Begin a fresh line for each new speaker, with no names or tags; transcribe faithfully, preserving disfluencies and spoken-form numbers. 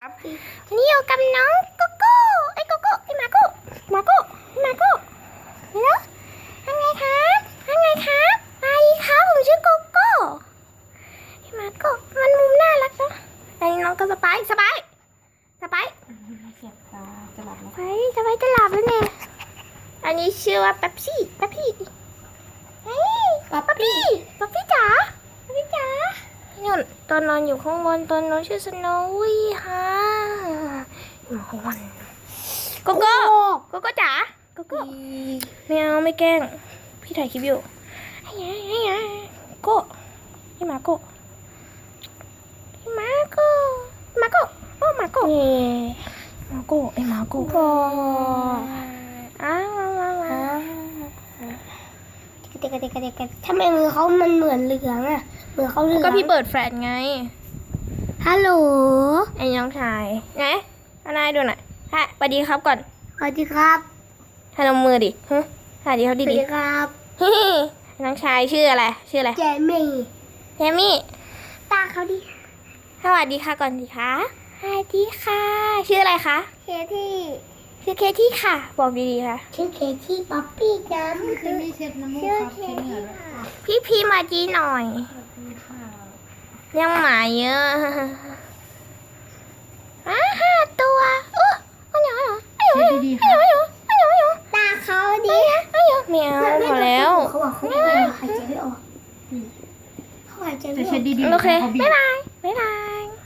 วันนี้อยู่กับน้องโกโก้ไอ้โกโก้ไอ้มาโก้มาโก้มาโก้เนาะยังไงครับยังไงครับไปครับผมชื่อโกโก้ไอ้มาโก้มันมุมน่ารักเนาะไอ้น้องก็สบายสบายสบาย
เสียบตาจะหลับแล้ว
ไปสบายจะหลับแล้วเนี่ยอันนี้ชื่อว่าแป๊บซี่แป๊บซี่เฮ้ยป๊อปปี้ป๊อปปี้จ๋าป๊อปปี้จ๋าเนี่ยตอนนอนอยู่ข้างบนตอนนอนชื่อสโนวี่ค่ะหมอนโกโก้โกโก้จ๋าโกโก้ไม่เอาไม่แกล้งพี่ถ่ายคลิปอยู่ไอ้ยังไอ้ยังโก้ไอ้มาโก้ไอ้มาโก้มาโก้โอ้มาโก้มาโก้ไอ้มาโก้อ้าวว้าวว้าวเด็กเด็กเด็กทำไมมือเขามันเหมือนเหลืองอ่ะมือเขาเหลืองก็พี่เปิดแฟลชไงฮัลโหลไอ้น้องชายไงอันนายดูหน่อยฮะสวัสดีครับก่อนสวัสดีครับให้ลงมือดิฮะสวัสดีครับดีดีครับน้องชายชื่ออะไรชื่ออะไรเจมี่เจมี่ตาเขาดิสวัสดีค่ะก่อนดิคะสวัสดีค่ะชื่ออะไรคะเคที่ชื่อเคที่ค่ะบอกดีๆค่ะชื่อเคที่ป๊อปปี้น้ำ
คือมีเช็ดน้ำมูกครับเช็ดเหงื่อด้วย
พี่พี่มาจีหน่อยยังหมาเยอะอ่าห้าตัวอุ๊ยอันนี้เหรอ
เช็ดดีๆครับ
อันนี้เหรอตาเขาดีอันนี้แมวพอแล้วเขาบอกเขาไม่หายใจไม่ออกเขาหายใจไม่
จะ
ออ
เช็ด
ก
ดีๆ
โอเค
ขาบีบ
บ๊ายบายบ๊ายบาย